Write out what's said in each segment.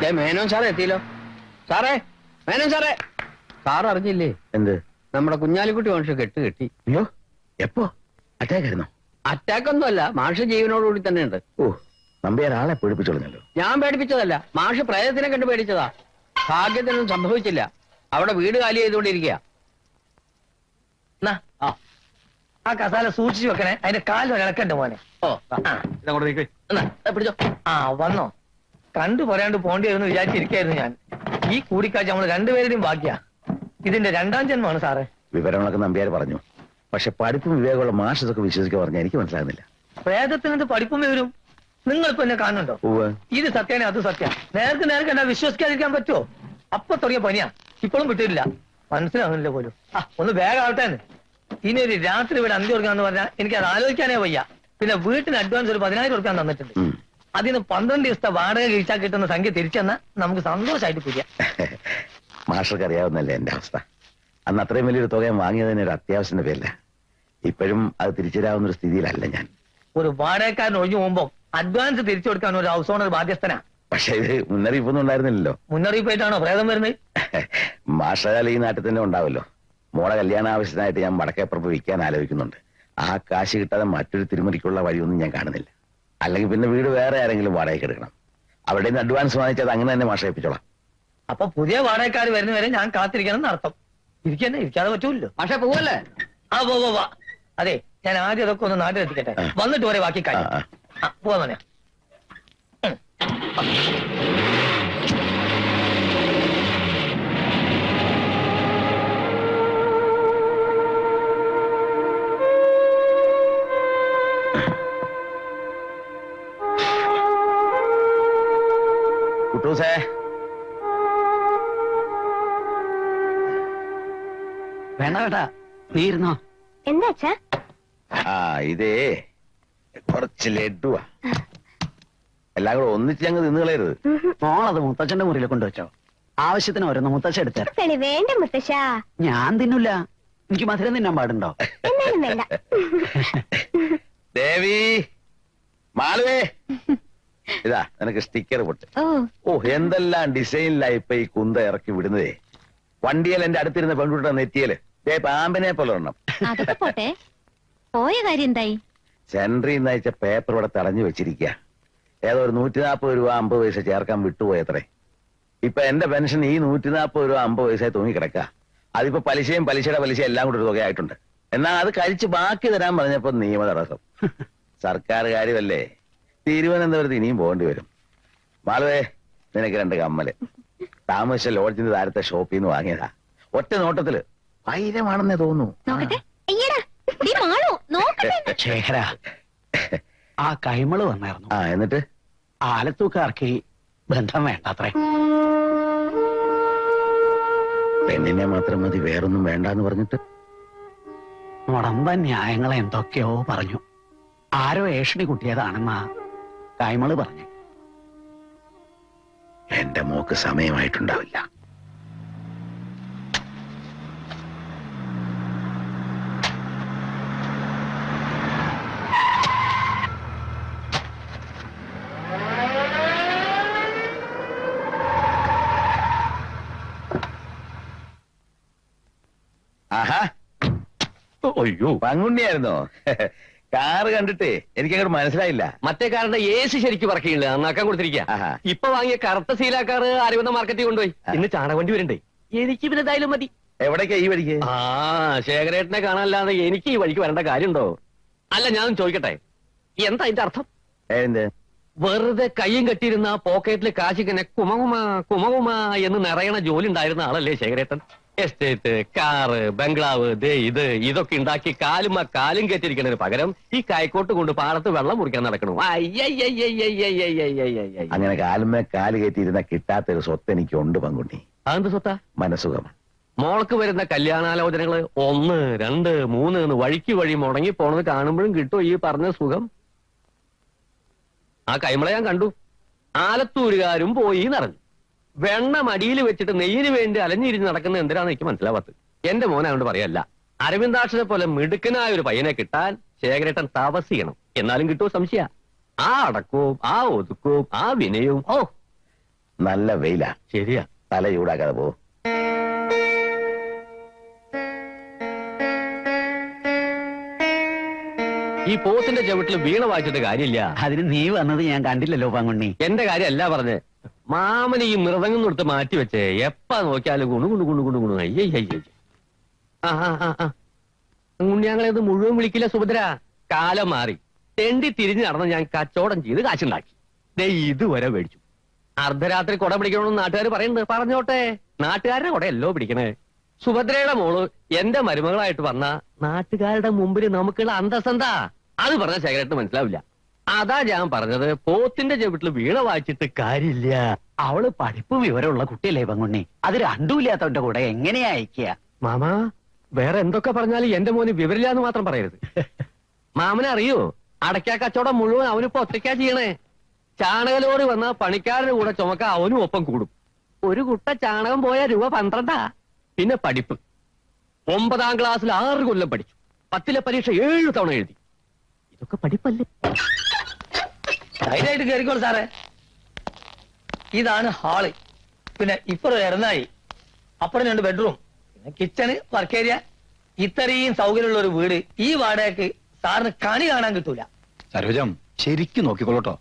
മേനോൻ സാറേ എത്തിയല്ലോ. സാറേ, മേനോൻ സാറേ, സാർ അറിഞ്ഞില്ലേ? എന്ത്? നമ്മുടെ കുഞ്ഞാലിക്കുട്ടി മാഷ് കെട്ടി. അയ്യോ, എപ്പോ? അറ്റാക്ക് ആയിരുന്നോ? അറ്റാക്ക് ഒന്നും അല്ല, മാഷ് ജീവനോടുകൂടി തന്നെ ഉണ്ട്. ഓ, നമ്പ്യാർ ആളെ പേടിപ്പിച്ചോളഞ്ഞല്ലോ. ഞാൻ പേടിപ്പിച്ചതല്ല, മാഷ് പ്രേതത്തിനെ കണ്ട് പേടിച്ചതാ. ഭാഗ്യത്തിനൊന്നും സംഭവിച്ചില്ല. അവിടെ വീട് കാലി ചെയ്തുകൊണ്ടിരിക്കുക. ആ കസാല സൂക്ഷിച്ചു വെക്കണേ, അതിന്റെ കാലിൽ ഇളക്കണ്ട മോനെ. ഓ, പിടിച്ചോ. വന്നോ? കണ്ടു പറയാണ്ട് പോണ്ടി എന്ന് വിചാരിച്ചിരിക്കായിരുന്നു ഞാൻ. ഈ കൂടിക്കാഴ്ച നമ്മൾ രണ്ടുപേരുടെയും ബാക്കിയാ. ഇതിന്റെ രണ്ടാം ജന്മമാണ് സാറേ. വിവരങ്ങളൊക്കെ നമ്പ്യാർ പറഞ്ഞു. പക്ഷെ പഠിപ്പും വിവേകമുള്ള മാഷ് ഇതൊക്കെ വിശ്വസിക്കാൻ പറഞ്ഞാൽ എനിക്ക് മനസ്സിലാകുന്നില്ല. പ്രേതത്തിനകത്ത് പഠിപ്പും വിവരും നിങ്ങളിപ്പോ എന്നെ കാണുന്നുണ്ടോ? ഇത് സത്യമാണ്, അത് സത്യം. നേർക്ക് എന്നാ വിശ്വസിക്കാതിരിക്കാൻ പറ്റുമോ? അപ്പൊ തുടങ്ങിയ പനിയാ, ഇപ്പോഴും വിട്ടിട്ടില്ല. മനസ്സിലാകുന്നില്ല പോലും. ഒന്ന് വേഗാവട്ടെ. ഇനി ഒരു രാത്രി ഇവിടെ അന്തി കൊടുക്കാന്ന് പറഞ്ഞാൽ എനിക്ക് അത് ആലോചിക്കാനേ വയ്യ. പിന്നെ വീട്ടിന് അഡ്വാൻസ് ഒരു 10,000 രൂപ തന്നിട്ടുണ്ട്. അതിന് 12 ദിവസത്തെ വാടക കഴിച്ചാൽ കിട്ടുന്ന സംഖ്യ തിരിച്ചെന്നാ നമുക്ക് സന്തോഷമായിട്ട് പിരിയാം. മാഷർക്ക് അറിയാവുന്നല്ലേ എന്റെ അവസ്ഥ. അന്ന് അത്രയും വലിയൊരു തുക വാങ്ങിയതിന് ഒരു അത്യാവശ്യത്തിന്റെ പേരില്ല. ഇപ്പോഴും അത് തിരിച്ചുതരാവുന്ന ഒരു സ്ഥിതിയിലല്ല ഞാൻ. ഒരു വാടകക്കാരൻ ഒഴിഞ്ഞു പോകുമ്പോ അഡ്വാൻസ് തിരിച്ചു കൊടുക്കാൻ ഒരു ഹൗസ് ഓണർ ബാധ്യസ്ഥനാ. പക്ഷെ ഇത് മുന്നറിയിപ്പൊന്നും ഉണ്ടായിരുന്നില്ലല്ലോ. മുന്നറിയിപ്പായിട്ടാണോ പ്രേതം വരുന്നത്? മാഷാൽ ഈ നാട്ടിൽ തന്നെ ഉണ്ടാവല്ലോ. മോളെ കല്യാണ ആവശ്യത്തിനായിട്ട് ഞാൻ വടക്കേപ്പുറത്ത് വിൽക്കാൻ ആലോചിക്കുന്നുണ്ട്. ആ കാശ് കിട്ടാതെ മറ്റൊരു തിരുമറിക്കുള്ള വഴിയൊന്നും ഞാൻ കാണുന്നില്ല. അല്ലെങ്കിൽ പിന്നെ വീട് വേറെ ആരെങ്കിലും വാടകയ്ക്ക് എടുക്കണം. അവിടെ നിന്ന് അഡ്വാൻസ് വാങ്ങിച്ചത് അങ്ങനെ തന്നെ മാഷ ഏൽപ്പിച്ചോളാം. അപ്പൊ പുതിയ വാടകക്കാർ വരുന്നവരെ ഞാൻ കാത്തിരിക്കണം എന്നർത്ഥം. ഇരിക്കാതെ പറ്റൂല്ലോ. പക്ഷെ പോവല്ലേ? പോവാ. അതെ, ഞാൻ ആദ്യം അതൊക്കെ ഒന്ന് നാട്ടിലെത്തിക്കട്ടെ, വന്നിട്ട് വരെ ബാക്കി കാര്യം. പോവാ മോനെ. കുട്ടൂസേ, വേണ്ട കേട്ടാ, നീ ഇരുന്നോ. എന്താ? ഇതേ കുറച്ച് ലഡുവാ. എല്ലാം കൂടെ ഒന്നിച്ച് ഞങ്ങൾ നിന്ന് കളയരുത്. മോളത് മുത്തച്ഛന്റെ മുറിയിൽ കൊണ്ടുവച്ചോ. ആവശ്യത്തിന് ഓരോന്ന് മുത്തച്ഛ എടുത്തേ. വേണ്ട മുത്തശ്ശ, ഞാൻ തിന്നില്ല. എനിക്ക് മധുരം തിന്നാൻ പാടുണ്ടോ? വേണ്ട. ദേവി, മാളുവേ, ഇതാ നിനക്ക് സ്റ്റിക്കർ പൊട്ട്. ഓ, എന്തെല്ലാം ഡിസൈനിലായി ഇപ്പൊ ഈ കുന്ത ഇറക്കി വിടുന്നതേ. വണ്ടിയിൽ എന്റെ അടുത്തിരുന്ന പെൺകുട്ടിയുടെ നെറ്റിയല് പാമ്പിനെ പോലെ ഒരെണ്ണം. അതൊക്കെ പോട്ടെ, പോയ കാര്യം എന്തായി? സെൻട്രിൽ നിന്ന് അയച്ച പേപ്പർ ഇവിടെ തടഞ്ഞു വെച്ചിരിക്കുക. ഏതോ ഒരു 140 രൂപ 50 പൈസ ചേർക്കാൻ വിട്ടുപോയത്രേ. ഇപ്പൊ എന്റെ പെൻഷൻ ഈ 140 രൂപ 50 പൈസ തൂങ്ങിക്കിടക്ക. അതിപ്പോ പലിശയും പലിശയുടെ പലിശ എല്ലാം കൂടെ ഒരു തുകയായിട്ടുണ്ട്. എന്നാൽ അത് കഴിച്ച് ബാക്കി തരാൻ പറഞ്ഞപ്പോ നിയമ തടസ്സം. സർക്കാർ കാര്യമല്ലേ, തിരുവനന്തപുരത്ത് ഇനിയും പോകേണ്ടി വരും. മാളുവേ, നിനക്ക് 2 കമ്മല് താമസിച്ച ലോഡ്ജിന്റെ താരത്തെ ഷോപ്പിൽ നിന്ന് വാങ്ങിയതാ. ഒറ്റ നോട്ടത്തില് 1000 തോന്നുന്നു. ശേഖര, ആ കൈമള് വന്നായിരുന്നു. എന്നിട്ട് ആലത്തൂക്കാർക്ക് ബന്ധം വേണ്ടത്രേ. പെണ്ണിനെ മാത്രം മതി, വേറൊന്നും വേണ്ടെന്ന് പറഞ്ഞിട്ട് മുടമ്പ ന്യായങ്ങളെ എന്തൊക്കെയോ പറഞ്ഞു. ആരോ ഏഷണി കുട്ടിയതാണെന്നാ കൈമള് പറഞ്ഞു. എന്റെ മോക്ക് സമയമായിട്ടുണ്ടാവില്ല. ആഹാ, അയ്യോ, പങ്കുണ്ണിയായിരുന്നോ? കാറ് കണ്ടിട്ടേ എനിക്കങ്ങോട്ട് മനസ്സിലായില്ല. മറ്റേ കാറിന്റെ AC ശരിക്കും പറക്കില്ല, നന്നാക്കാൻ കൊടുത്തിരിക്കുക. ഇപ്പൊ വാങ്ങിയ കറുത്ത സീലാക്കാറ് ആര്യവന്ന മാർക്കറ്റിൽ കൊണ്ടുപോയി. ഇന്ന് ചാണകവണ്ടി വരണ്ടേ? എനിക്ക് പിന്നെ എന്തായാലും മതി. എവിടേക്കാ ഈ വഴിക്ക്? ശേഖരേട്ടനെ കാണാനല്ലാതെ എനിക്ക് ഈ വഴിക്ക് വരേണ്ട കാര്യമുണ്ടോ? അല്ല, ഞാൻ ചോദിക്കട്ടെ, എന്താ അതിന്റെ അർത്ഥം? വെറുതെ കയ്യും കെട്ടിയിരുന്ന പോക്കറ്റില് കാശിക്കനെ കുമകുമ കുമകുമ എന്ന് നിറയണ ജോലി ഉണ്ടായിരുന്ന ആളല്ലേ ശേഖരേട്ടൻ? എസ്റ്റേറ്റ്, കാറ്, ബംഗ്ലാവ്, ഇതൊക്കെ ഉണ്ടാക്കി കാലും കയറ്റിരിക്കുന്നതിന് പകരം ഈ കൈക്കോട്ട് കൊണ്ട് പാടത്ത് വെള്ളം മുറിക്കാൻ നടക്കണു. അങ്ങനെ കാലുമേ കാല് കയറ്റിയിരുന്ന കിട്ടാത്തൊരു സ്വത്ത് എനിക്കുണ്ട് പങ്കുണ്ണി. അതെന്ത് സ്വത്താ? മനസുഖം. മോൾക്ക് വരുന്ന കല്യാണാലോചനകള് 1, 2, 3 എന്ന് വഴിക്ക് വഴി മുടങ്ങി പോണത് കാണുമ്പോഴും കിട്ടും ഈ പറഞ്ഞ സുഖം. ആ കൈമള ഞാൻ കണ്ടു. ആലത്തൂരുകാരും പോയി നിറഞ്ഞു. വെണ്ണ മടിയിൽ വെച്ചിട്ട് നെയ്യിന് വേണ്ടി അലഞ്ഞിരിഞ്ഞ് നടക്കുന്നത് എന്തിനാന്ന് എനിക്ക് മനസ്സിലാവാത്തത്. എന്റെ മോനായോണ്ട് പറയല്ല, അരവിന്ദാക്ഷനെ പോലെ മിടുക്കനായ ഒരു പയ്യനെ കിട്ടാൻ ശേഖരേട്ടൻ തപസ് ചെയ്യണം. എന്നാലും കിട്ടുമോ സംശയ. ആ അടക്കവും ആ ഒതുക്കവും ആ വിനയവും. ഓ, നല്ല വെയിലാ. ശരിയാ. തല ചൂടാക്കാതെ പോ. ഈ പോത്തിന്റെ ചവിട്ടിൽ വീണ വായിച്ചിട്ട് കാര്യമില്ല. അതിന് നീ വന്നത് ഞാൻ കണ്ടില്ലല്ലോ പാങ്കുണ്ണി. എന്റെ കാര്യമല്ല പറഞ്ഞ്, മാമന് ഈ മൃദംഗം കൊടുത്ത് മാറ്റി വെച്ചേ എപ്പാ നോക്കിയാലും ഗുണു ഗുണു ഗുണു ഗുണു ഗുണു അയ്യേ അയ്യേ. ഞങ്ങളത് മുഴുവൻ വിളിക്കില്ല സുഭദ്ര. കാലം മാറി. തെണ്ടി തിരിഞ്ഞ് നടന്ന് ഞാൻ കച്ചവടം ചെയ്ത് കാശുണ്ടാക്കി. ദേ ഇതുവരെ മേടിച്ചു. അർദ്ധരാത്രി കുട പിടിക്കണമെന്ന് നാട്ടുകാർ പറയുന്നുണ്ട്. പറഞ്ഞോട്ടെ, നാട്ടുകാരുടെ കുടയല്ലോ പിടിക്കണേ. സുഭദ്രയുടെ മോള് എന്റെ മരുമകളായിട്ട് വന്ന നാട്ടുകാരുടെ മുമ്പിൽ നമുക്കുള്ള അന്തസ്സെന്താ? അത് പറഞ്ഞ ശേഖരട്ട് മനസ്സിലാവില്ല. അതാ ഞാൻ പറഞ്ഞത്, പോത്തിന്റെ ചെവിട്ടിൽ വീണ വായിച്ചിട്ട് കാര്യമില്ല. അവള് പഠിപ്പ് വിവരമുള്ള കുട്ടിയല്ലേ പങ്കുണ്ണി. അത് രണ്ടുമില്ലാത്തവന്റെ കൂടെ എങ്ങനെയാ അയക്കുക? മാമാ, വേറെ എന്തൊക്കെ പറഞ്ഞാലും എന്റെ മോന് വിവരില്ല എന്ന് മാത്രം പറയരുത്. മാമനെ അറിയോ, അടയ്ക്കാ കച്ചവടം മുഴുവൻ അവനിപ്പോ ഒറ്റയ്ക്കാ ചെയ്യണേ. ചാണകലോറി വന്ന പണിക്കാരന് കൂടെ ചുമക്ക അവനും ഒപ്പം കൂടും. ഒരു കുട്ട ചാണകം പോയ രൂപ 12. പിന്നെ പഠിപ്പ്. 9ാം ക്ലാസ്സിൽ 6 കൊല്ലം പഠിച്ചു. 10ലെ പരീക്ഷ 7 തവണ എഴുതി. ഇതൊക്കെ പഠിപ്പല്ലേ? ധൈര്യമായിട്ട് കയറിക്കോളൂ സാറേ. ഇതാണ് ഹാള്. പിന്നെ ഇപ്പുറം ഇറന്നായി, അപ്പുറം 2 ബെഡ്റൂം, പിന്നെ കിച്ചണ്, വർക്ക് ഏരിയ. ഇത്രയും സൗകര്യമുള്ള ഒരു വീട് ഈ വാടകയ്ക്ക് സാറിന് കണി കാണാൻ കിട്ടൂല. സരോജം ശരിക്കും നോക്കിക്കോളൂട്ടോ.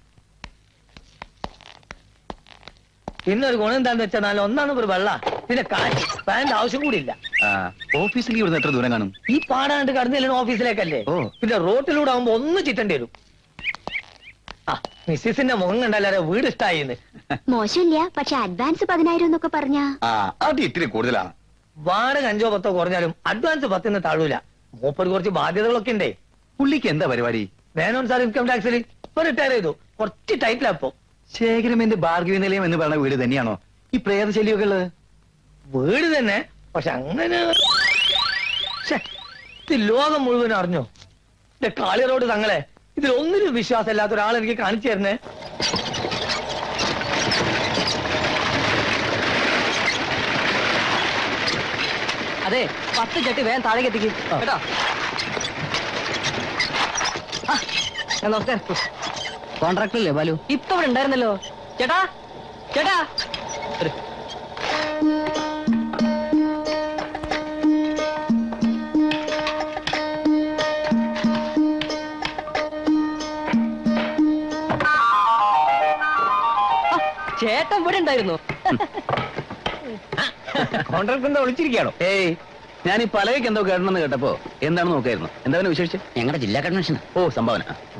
പിന്നെ ഒരു ഗുണം എന്താന്ന് വെച്ചാൽ നല്ല ഒന്നാണ് ഒരു വെള്ള, പിന്നെ കാറ്റ്, ഫാനിന്റെ ആവശ്യം കൂടി ഇല്ല. ഓഫീസിലേക്ക് ഇവിടുന്ന് എത്ര ദൂരം കാണും? ഈ പാടാണ്ട് കടന്നില്ല ഓഫീസിലേക്കല്ലേ. ഓ. പിന്നെ റോട്ടിലൂടെ ആവുമ്പോ ഒന്ന് ചിറ്റേണ്ടി വരും. ആ മിസ്സിന്റെ മുഖം കണ്ടല്ലാരെ വീട് ഇഷ്ടായിന്ന്. മോശമില്ല, പക്ഷെ അഡ്വാൻസ് 10,000 എന്നൊക്കെ പറഞ്ഞ അത് ഇത്തിരി കൂടുതലാണ്. വാടക 5 10 കുറഞ്ഞാലും അഡ്വാൻസ് 10 താഴൂല. മൂപ്പർ കുറച്ച് ബാധ്യതകളൊക്കെ ഉണ്ടേ. പുള്ളിക്ക് എന്താ പരിപാടി? വേനോൻ സാർ ഇൻകം ടാക്സിൽ ഇപ്പൊ റിട്ടയർ ചെയ്തു. കുറച്ച് ടൈറ്റിലപ്പോ. ശേഖരമേന്റെ ഭാർഗവി നിലയം എന്ന് പറയുന്ന വീട് തന്നെയാണോ ഈ പ്രേതശല്യമൊക്കെ ഉള്ളത്? വീട് തന്നെ, പക്ഷെ അങ്ങനെ ശ്ശെ, ഇത് ലോകം മുഴുവൻ അറിഞ്ഞോ? കാളി റോഡ് തങ്ങളെ ഇതിലൊന്നിനും വിശ്വാസം ഇല്ലാത്ത ഒരാൾ എനിക്ക് കാണിച്ചു തരുന്നേ. അതെ, 10 ചട്ടി വേഗം താഴേക്ക് എത്തിക്കും കേട്ടോ. നമസ്കാരം. കോൺട്രാക്ടറല്ലേ ബാലു? ഇപ്പൊ ഇവിടെ ഉണ്ടായിരുന്നല്ലോ. ചേട്ടാ ചേട്ടാ, ചേട്ടൻ ഇവിടെ ഉണ്ടായിരുന്നു. കോൺട്രാക്ടർ എന്താ വിളിച്ചിരിക്കുകയാണോ? ഏയ്, ഞാൻ ഈ പലകയ്ക്ക് എന്തോ കേട്ടണമെന്ന് കേട്ടപ്പോ എന്താണ് നോക്കായിരുന്നു. എന്താ വിശേഷിച്ച്? ഞങ്ങളുടെ ജില്ലാ കൺവെൻഷൻ. ഓ, സംഭാവന.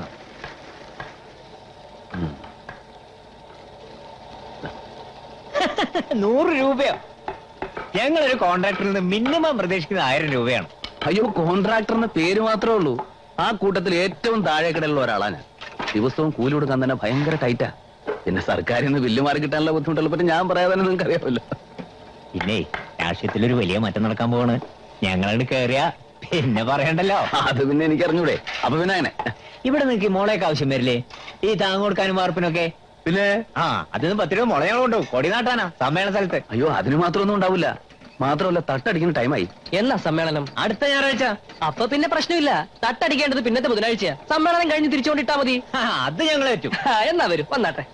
100 രൂപയോ? ഞങ്ങളൊരു കോൺട്രാക്ടറിൽ നിന്ന് മിനിമം പ്രതീക്ഷിക്കുന്നത് 1000 രൂപയാണ്. അയ്യോ, കോൺട്രാക്ടറിന്റെ പേര് മാത്രമേ ഉള്ളൂ. ആ കൂട്ടത്തിൽ ഏറ്റവും താഴേക്കിടയിലുള്ള ഒരാളാ ഞാൻ. ദിവസവും കൂലി കൊടുക്കാൻ തന്നെ ഭയങ്കര ടൈറ്റാ. പിന്നെ സർക്കാരിൽ നിന്ന് ബില്ല് മാറി കിട്ടാനുള്ള ബുദ്ധിമുട്ടുള്ള പറ്റി ഞാൻ പറയാതെ നിങ്ങൾക്ക് അറിയാമല്ലോ. പിന്നെ രാഷ്ട്രീയത്തിലൊരു വലിയ മാറ്റം നടക്കാൻ പോവാണ്. ഞങ്ങളോട് കേറിയാ പിന്നെ പറയണ്ടല്ലോ. അത് പിന്നെ എനിക്ക് അറിഞ്ഞൂടെ. അപ്പൊ പിന്നെ അങ്ങനെ ഇവിടെ നിങ്ങൾക്ക് മോളേക്ക് ആവശ്യം വരില്ലേ? ഈ താങ്ങ് കൊടുക്കാനും വാർപ്പിനൊക്കെ. പിന്നെ അതിന് 10 രൂപ മുള ഞങ്ങളുണ്ടോ കൊടി നാട്ടാനാ സമ്മേളന സ്ഥലത്ത്. അയ്യോ, അതിന് മാത്രമൊന്നും ഉണ്ടാവില്ല. മാത്രമല്ല, തട്ടടിക്കുന്ന ടൈമായി. എന്നാ സമ്മേളനം? അടുത്ത ഞായറാഴ്ച. അപ്പൊ പിന്നെ പ്രശ്നമില്ല. തട്ടടിക്കേണ്ടത് പിന്നത്തെ ബുധനാഴ്ച. സമ്മേളനം കഴിഞ്ഞ് തിരിച്ചുകൊണ്ടിട്ടാ മതി. അത് ഞങ്ങൾ ഏറ്റു. എന്നാ വരും, വന്നാട്ടെ.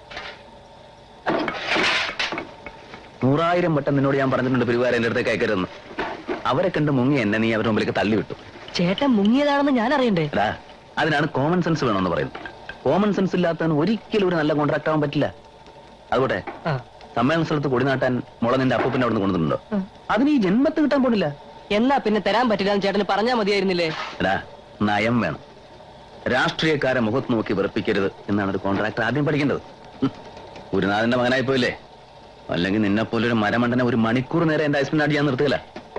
100,000 വട്ടം നിന്നോട് ഞാൻ പറഞ്ഞിട്ടുണ്ട് പിരിവാരം എന്റെ അടുത്തേക്ക് അയക്കരുതെന്ന്. അവരെ കണ്ട് മുങ്ങി എന്നെ നീ അവരുടെ മുമ്പിലേക്ക് തള്ളിവിട്ടു. ചേട്ടൻ മുങ്ങിയതാണെന്ന് ഞാൻ അറിയണ്ടേ? എടാ, അതിനാണ് കോമൺ സെൻസ് വേണമെന്ന് പറയുന്നത്. കോമൺ സെൻസ് ഇല്ലാത്തവന് ഒരിക്കലും ഒരു നല്ല കോൺട്രാക്ട് ആവാൻ പറ്റില്ല. അതുകൊട്ടെ, സമ്മേളന സ്ഥലത്ത് കൊടി നാട്ടാൻ മുള നിന്റെ അപ്പൂപ്പിന്റെ അവിടെ നിന്ന് കൊണ്ടുവന്നിട്ടുണ്ടോ? അതിന് ഈ ജന്മത്ത് കിട്ടാൻ പോണില്ല. എന്നാ പിന്നെ തരാൻ പറ്റില്ല എന്ന് ചേട്ടന് പറഞ്ഞാ മതിയായിരുന്നില്ലേ? എടാ, നയം വേണം. രാഷ്ട്രീയക്കാരെ മുഖത്ത് നോക്കി വെറുപ്പിക്കരുത് എന്നാണ് ഒരു കോൺട്രാക്ടർ ആദ്യം പഠിക്കേണ്ടത്. ഗുരുനാഥന്റെ മകനായി പോയില്ലേ? അല്ലെങ്കിൽ നിന്നെ പോലൊരു മരമണ്ടനെ 1 മണിക്കൂർ നേരം എന്റെ ഐസ്പിനാട് ഞാൻ നിർത്തുകയില്ല.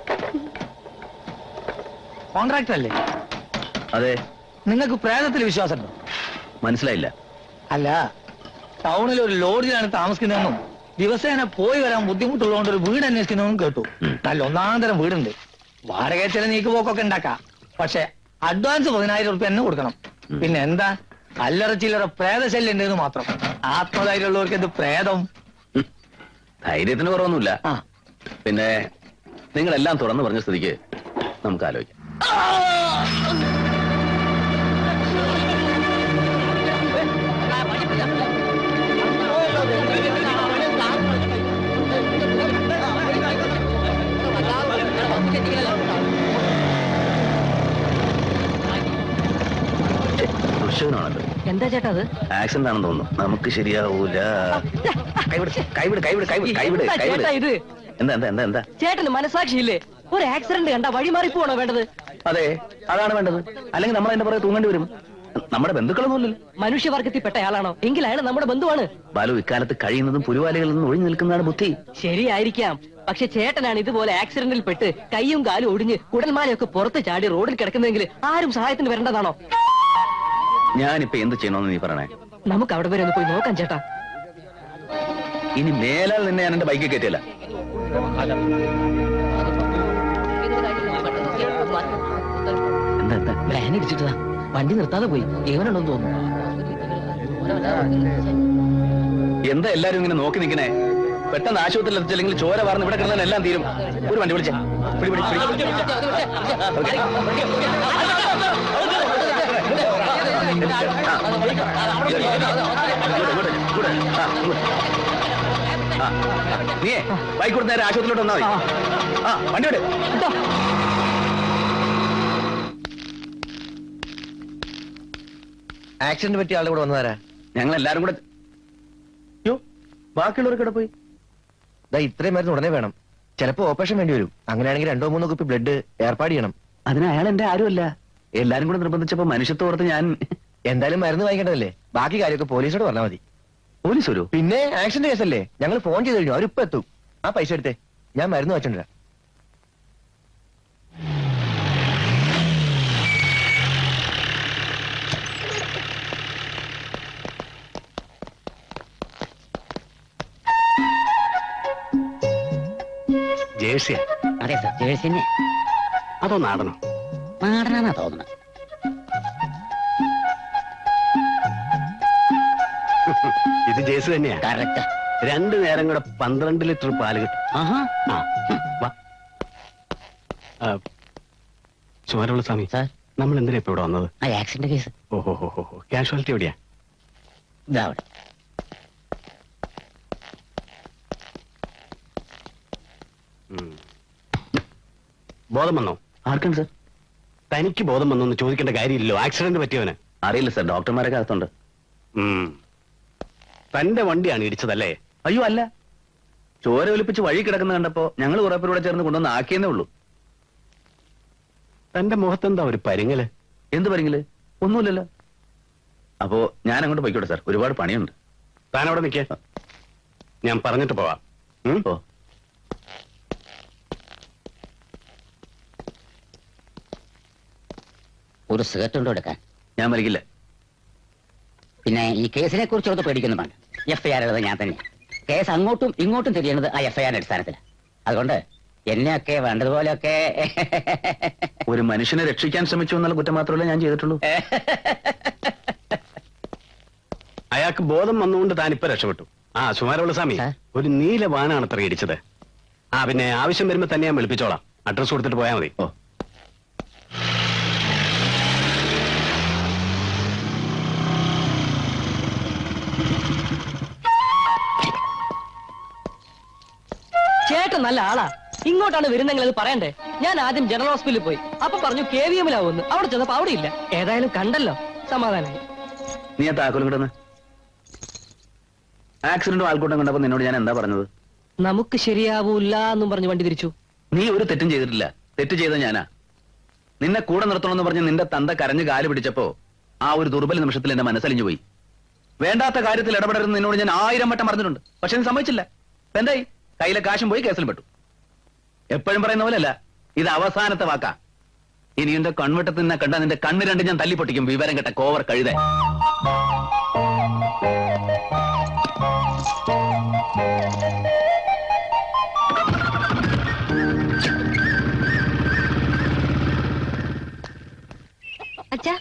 കോൺട്രാക്ടർ അല്ലേ? അതെ. നിങ്ങൾക്ക് പ്രേതത്തിൽ വിശ്വാസമുണ്ടോ? മനസ്സിലായില്ല. അല്ല, ടൗണിൽ ഒരു ലോഡ്ജിലാണ് താമസിക്കുന്നതെന്നും ദിവസേന പോയി വരാൻ ബുദ്ധിമുട്ടുള്ളതുകൊണ്ട് ഒരു വീട് അന്വേഷിക്കുന്നതെന്നും കേട്ടു. നല്ല ഒന്നാന്തരം വീടുണ്ട്. വാടക ചില നീക്കുപോക്കൊക്കെ ഉണ്ടാക്കാം. പക്ഷെ അഡ്വാൻസ് 10,000 റുപ്യ തന്നെ കൊടുക്കണം. പിന്നെ എന്താ, അല്ലറ ചില്ലറ പ്രേതശല്യം ഉണ്ടെന്ന് മാത്രം. ആത്മധൈര്യമുള്ളവർക്ക് എന്ത് പ്രേതം? ധൈര്യത്തിന് കുറവൊന്നുമില്ല. പിന്നെ നിങ്ങളെല്ലാം തുറന്നു പറഞ്ഞ സ്ഥിതിക്ക് നമുക്ക് ആലോചിക്കാം. ദുഷ്യനാണല്ലോ. എന്താ ചേട്ടാ അത്? ആക്സിഡന്റ് ആണെന്ന് തോന്നുന്നു. നമുക്ക് ശരിയാവൂല. കൈവിട് കൈവിട് കൈവിട് കൈവിട് കൈവിട് എന്താ കൈവിട്. ചേട്ടാ ഇത്? എന്താ എന്താ എന്താ എന്താ ചേട്ടന് മനസാക്ഷിയില്ലേ? ഒരു ആക്സിഡന്റ് കണ്ട വഴി മാറി പോണോ വേണ്ടത്? അതെ, അതാണ് വേണ്ടത്. അല്ലെങ്കിൽ നമ്മൾ അതിന്റെ പുറകെ തൂങ്ങേണ്ടി വരും. നമ്മുടെ ബന്ധുക്കളൊന്നുമില്ലല്ലോ. മനുഷ്യവർഗത്തിൽപ്പെട്ട ആളാണോ? എങ്കിൽ അയാൾ നമ്മുടെ ബന്ധുവാണ്. ബാലു, ഇക്കാലത്ത് കഴിയുന്നതും പുലിവാലികളിൽ നിന്ന് ഒഴിഞ്ഞു നിൽക്കുന്നതാണ് ബുദ്ധി. ശരിയായിരിക്കാം. പക്ഷെ ചേട്ടനാണ് ഇതുപോലെ ആക്സിഡന്റിൽ പെട്ട് കൈയും കാലും ഒടിഞ്ഞ് കുടൽമാലയൊക്കെ പുറത്ത് ചാടി റോഡിൽ കിടക്കുന്നെങ്കിൽ ആരും സഹായത്തിന് വരേണ്ടതാണോ? ഞാനിപ്പോ എന്ത് ചെയ്യണമെന്ന് നീ പറയണേ. നമുക്ക് അവിടെ വരെ ഒന്ന് പോയി നോക്കാം ചേട്ടാ. ഇനി മേലാൽ നിന്നെ ഞാൻ എന്റെ ബൈക്കിൽ കയറ്റില്ല. എന്താ എന്താ പ്ലാൻ ഇടിച്ചിട്ടതാ. വണ്ടി നിർത്താതെ പോയി. ഏവനുണ്ടെന്ന് തോന്നുന്നു. എന്താ എല്ലാരും ഇങ്ങനെ നോക്കി നിൽക്കണേ? പെട്ടെന്ന് ആശുപത്രിയിൽ എത്തിച്ചില്ലെങ്കിൽ ചോര വാർന്ന് ഇവിടെ കിടന്നാൽ എല്ലാം തീരും. ഒരു വണ്ടി വിളിച്ചേ. പിടി, പിടി, പിടി. ഓക്കേ. നീയേ ബൈക്ക് കൊടുത്ത് നേരെ ആശുപത്രിയിലോട്ട് വന്നാൽ മതി. വണ്ടി വിട്. ആക്സിഡന്റ് പറ്റിയ ആളുടെ കൂടെ വന്നതാരാ? ഞങ്ങൾ എല്ലാരും കൂടെ. യോ, ബാക്കിയുള്ളവർക്ക് ഇവിടെ പോയി. ഇത്രയും മരുന്ന് ഉടനെ വേണം. ചിലപ്പോ ഓപ്പറേഷൻ വേണ്ടി വരും. അങ്ങനെയാണെങ്കിൽ 2-3 കുപ്പി ബ്ലഡ് ഏർപ്പാട് ചെയ്യണം. അതിന് അയാൾ എന്റെ ആരുമല്ല. എല്ലാരും കൂടെ നിർബന്ധിച്ചപ്പോ മനുഷ്യത്തോടത്ത് ഞാൻ. എന്തായാലും മരുന്ന് വാങ്ങിക്കേണ്ടതല്ലേ? ബാക്കി കാര്യമൊക്കെ പോലീസോട് പറഞ്ഞാൽ മതി. പോലീസ് വരൂ? പിന്നെ ആക്സിഡന്റ് കേസല്ലേ? ഞങ്ങൾ ഫോൺ ചെയ്ത് കഴിഞ്ഞു. അവരിപ്പോ എത്തും. ആ പൈസ എടുത്തേ, ഞാൻ മരുന്ന് വെച്ചിട്ടുണ്ടാ. ജേഴ്സിയാ? അതെ സർ, ജേഴ്സി തന്നെ. അതോ നാടനോ? നാടനാന്നാ തോന്നുന്നത്. ഇത് ജേഴ്സി തന്നെയാ. കറക്റ്റാ. 2 നേരം കൂടെ 12 ലിറ്റർ പാല് കിട്ടും. ആഹാ. സുമാരമുള്ള സ്വാമി, സാർ, നമ്മൾ എന്തിനാ ഇപ്പൊ ഇവിടെ വന്നത്? ആ ആക്സിഡന്റ് കേസ്. ഓഹോ ഹോ ഹോ. കാഷ്വാലിറ്റി എവിടെയാ? ഇതാ അവിടെ. ബോധം വന്നോ? ആർക്കാണ് സാർ? തനിക്ക് ബോധം വന്നോ എന്ന് ചോദിക്കേണ്ട കാര്യമില്ലല്ലോ. ആക്സിഡന്റ് പറ്റിയവന്. അറിയില്ല സാർ, ഡോക്ടർമാരൊക്കെ അകത്തുണ്ട്. തന്റെ വണ്ടിയാണ് ഇടിച്ചതല്ലേ? അയ്യോ അല്ല, ചോര ഒലിപ്പിച്ച് വഴി കിടക്കുന്ന കണ്ടപ്പോ ഞങ്ങൾ കുറെ പേരൂടെ ചേർന്ന് കൊണ്ടുവന്ന് ആക്കിയെന്നേ ഉള്ളൂ. തന്റെ മുഖത്തെന്താ ഒരു പരിങ്ങല്? എന്ത് പറഞ്ഞില്ലേ? ഒന്നുമില്ലല്ലോ. അപ്പോ ഞാൻ അങ്ങോട്ട് പോയിക്കോട്ടെ സാർ, ഒരുപാട് പണിയുണ്ട്. താൻ അവിടെ നിൽക്കേ, ഞാൻ പറഞ്ഞിട്ട് പോവാം. ഓ, ഒരു സിഗരറ്റ് ഉണ്ടോ എടുക്കാൻ? ഞാൻ വലിക്കില്ല. പിന്നെ ഈ കേസിനെ കുറിച്ചൊക്കെ പേടിക്കുന്നു വേണ്ട. FIR എഴുതാൻ ഞാൻ തന്നെ. കേസ് അങ്ങോട്ടും ഇങ്ങോട്ടും തിരിയുന്നത് ആ FIR അടിസ്ഥാനത്തിലാണ്. അതുകൊണ്ട് എന്നെയൊക്കെ വേണ്ടതുപോലെയൊക്കെ. ഒരു മനുഷ്യനെ രക്ഷിക്കാൻ ശ്രമിച്ചു എന്നുള്ള കുറ്റം മാത്രമല്ല ഞാൻ ചെയ്തിട്ടുള്ളൂ. അയാൾക്ക് ബോധം വന്നുകൊണ്ട് താൻ ഇപ്പൊ രക്ഷപ്പെട്ടു. സുമാരമുള്ള സ്വാമി, സാർ? ഒരു നീല വാനാണ് അത്ര ഇടിച്ചത്. പിന്നെ ആവശ്യം വരുമ്പോ തന്നെ ഞാൻ വിളിപ്പിച്ചോളാം. അഡ്രസ് കൊടുത്തിട്ട് പോയാൽ മതി. ഓ, ചേട്ടൻ നല്ല ആളാ. ഇങ്ങോട്ടാണ് വരുന്നെങ്കിൽ അത് പറയണ്ടേ? ഞാൻ ആദ്യം ജനറൽ ഹോസ്പിറ്റലിൽ പോയി. അപ്പൊ പറഞ്ഞു KVM-ലാവുന്നു. അവിടെ ചെന്നപ്പോ അവിടെ ഇല്ല. ഏതായാലും കണ്ടല്ലോ, സമാധാനായി. നീ ആ താക്കോലും കിടന്ന്. ആക്സിഡന്റും ആൾക്കൂട്ടം കണ്ടപ്പോ നിന്നോട് ഞാൻ എന്താ പറഞ്ഞത്? നമുക്ക് ശരിയാവൂല്ല എന്നും പറഞ്ഞു വണ്ടി തിരിച്ചു. നീ ഒരു തെറ്റും ചെയ്തിട്ടില്ല. തെറ്റ് ചെയ്ത ഞാനാ. നിന്നെ കൂടെ നിർത്തണമെന്ന് പറഞ്ഞ് നിന്റെ തന്ത കരഞ്ഞ് കാല് പിടിച്ചപ്പോ ആ ഒരു ദുർബല നിമിഷത്തിൽ എന്റെ മനസ്സലിഞ്ഞു പോയി. വേണ്ടാത്ത കാര്യത്തിൽ ഇടപെടരുന്ന് നിന്നോട് ഞാൻ 1000 വട്ടം പറഞ്ഞിട്ടുണ്ട്. പക്ഷെ നീ സമ്മതിച്ചില്ല. എന്തായി? കയ്യിലെ കാശും പോയി, കേസിൽ പെട്ടു. എപ്പോഴും പറയുന്ന പോലെയല്ല, ഇത് അവസാനത്തെ വാക്കാ. ഇനി എന്റെ കൺവെട്ടത്തിൽ നിന്നെ കണ്ട നിന്റെ കണ്ണ് രണ്ട് ഞാൻ തല്ലിപ്പൊട്ടിക്കും. വിവരം കെട്ട കോവർ കഴുത. അച്ഛാ,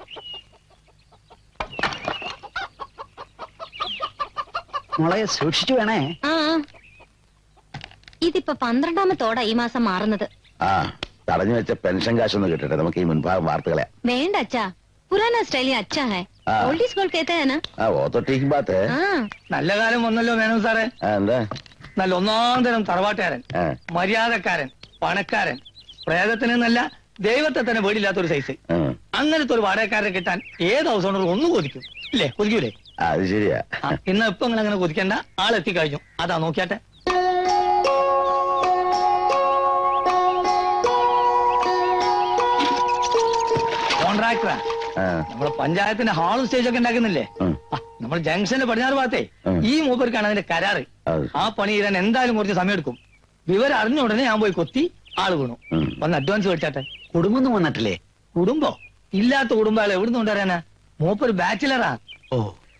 മോളെ സൂക്ഷിച്ചു വേണേ. ആ ഇതിപ്പോ 12ാമത്തോടാ ഈ മാസം മാറുന്നത്. ആ, തടഞ്ഞു വെച്ച പെൻഷൻ കാശൊന്ന് കിട്ടട്ടെ, നമുക്ക് ഈ മുൻഭാഗം വാർത്തകളെ. വേണ്ട അച്ഛാ, പുരാനാ സ്റ്റൈലി അച്ഛാ ഹൈ. ഓൾഡ് ഈസ് ഗോൾഡ് कहते हैं ना. ആ, वो तो ठीक बात है. നല്ല കാലം വന്നല്ലോ മേനോൻ സാറേ. എന്താ? നല്ല ഒന്നാം തരം തറവാട്ടുകാരൻ, ആ, മര്യാദക്കാരൻ, പണക്കാരൻ, പ്രേതത്തിന് എന്നല്ല ദൈവത്തെ തന്നെ പേടിയില്ലാത്ത ഒരു സൈസ്. ഉം. അങ്ങനത്തെ ഒരു വാടകക്കാരനെ കിട്ടാൻ ഏത് ഹൗസ് ഓണർ ഒന്നും കൊതിക്കും ഇല്ലേ? കൊതിക്കൂലേ? അത് ശരിയാ. ഇന്ന് ഇപ്പൊ നിങ്ങൾ അങ്ങനെ കൊതിക്കണ്ട, ആളെത്തി കഴിഞ്ഞു. അതാ നോക്കിയാട്ടെ. കോൺട്രാക്ടറാ. ആ. നമ്മളെ പഞ്ചായത്തിന്റെ ഹാളും സ്റ്റേജൊക്കെ ഉണ്ടാക്കുന്നില്ലേ? ഉം. നമ്മൾ ജംഗ്ഷന്റെ പടിഞ്ഞാറ് ഭാഗത്തെ ഉം. ഈ മൂപ്പർക്കാണ് അതിന്റെ കരാറ്. അത് ആ പണി ചെയ്യാൻ എന്തായാലും കുറച്ച് സമയം എടുക്കും. വിവരം അറിഞ്ഞ ഉടനെ ഞാൻ പോയി കൊത്തി ആള് വീണു. ഉം. ഒന്ന് അഡ്വാൻസ് മേടിച്ചാട്ടെ. കുടുംബം വന്നിട്ടില്ലേ? കുടുംബോ? ഇല്ലാത്ത കുടുംബം ആളെ എവിടുന്ന് കൊണ്ടുവരാനാ? മൂപ്പർ ബാച്ചിലറാ. ഓ,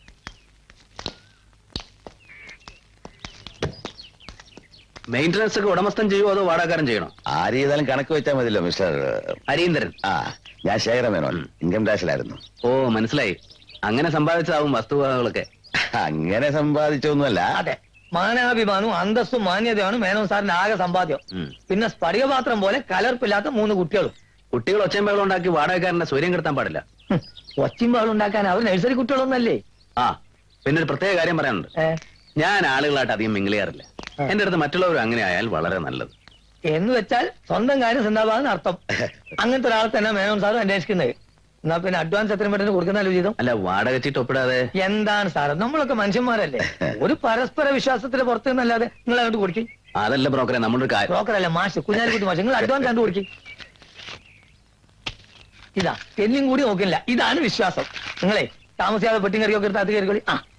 മെയിന്റനൻസ് ഒക്കെ ഉടമസ്ഥൻ ചെയ്യുമോ അതോ വാടകക്കാരൻ ചെയ്യണോ? ആര് ചെയ്താലും കണക്ക് വെച്ചാൽ മതിയല്ലോ മിസ്റ്റർ. അരീന്ദ്രൻ. ആ, ഞാൻ ശേഖരമേനോൻ, ഇൻകം ടാക്സിലായിരുന്നു. ഓ മനസ്സിലായി. അങ്ങനെ സമ്പാദിച്ചതാവും വസ്തുവകകളൊക്കെ. അങ്ങനെ സമ്പാദിച്ചൊന്നുമല്ല. അതെ, മാനാഭിമാനവും അന്തസ്സും മാന്യതയാണ് മേനോൻ സാറിന്റെ ആകെ സമ്പാദ്യം. ഉം. പിന്നെ സ്ഫടികപാത്രം പോലെ കലർപ്പില്ലാത്ത 3 കുട്ടികളും. കുട്ടികൾ ഒച്ചയും ബഹളം ഉണ്ടാക്കി വാടകക്കാരന്റെ സ്വര്യം കെടുത്താൻ പാടില്ല. ഒച്ചിമ്പാളും ഉണ്ടാക്കാൻ അവർ നഴ്സറി കുട്ടികളൊന്നല്ലേ? ആ പിന്നെ ഒരു പ്രത്യേക കാര്യം പറയാനുണ്ട്. ഞാൻ ആളുകളായിട്ട് അധികം മിങ്കിൾ ചെയ്യാറില്ല. എന്റെ അടുത്ത് മറ്റുള്ളവരും അങ്ങനെ ആയാൽ വളരെ നല്ലത്. എന്ന് വെച്ചാൽ സ്വന്തം കാര്യം സിന്ദാബാദെന്ന് അർത്ഥം. അങ്ങനത്തെ ഒരാളെ തന്നെ മേനോൻ സാർ അന്വേഷിക്കുന്നത്. എന്നാ പിന്നെ അഡ്വാൻസ് എത്രയും പെട്ടെന്ന് കൊടുക്കുന്നല്ലോ ചെയ്തോ. അല്ല വാടക ചീട്ട് ഒപ്പിടാതെ. എന്താണ് സാറ്, നമ്മളൊക്കെ മനുഷ്യന്മാരല്ലേ? ഒരു പരസ്പര വിശ്വാസത്തിന് പുറത്തു നിന്നല്ലാതെ നിങ്ങൾ അങ്ങോട്ട് കൊടുക്കും. അതല്ല ബ്രോക്കറെ, നമ്മളൊരു കാര്യം. ബ്രോക്കറല്ല, മാഷ്, കുഞ്ഞാലിക്കുട്ടി മാഷ്, നിങ്ങൾ അഡ്വാൻസ് കണ്ടു കൊടുക്കും. ഇതാ എന്നും കൂടി നോക്കില്ല. ഇതാണ് വിശ്വാസം. നിങ്ങളെ താമസിയാതെ പെട്ടിയും കറിയൊക്കെ എടുത്ത് അത് കയറിക്കോളി. ആ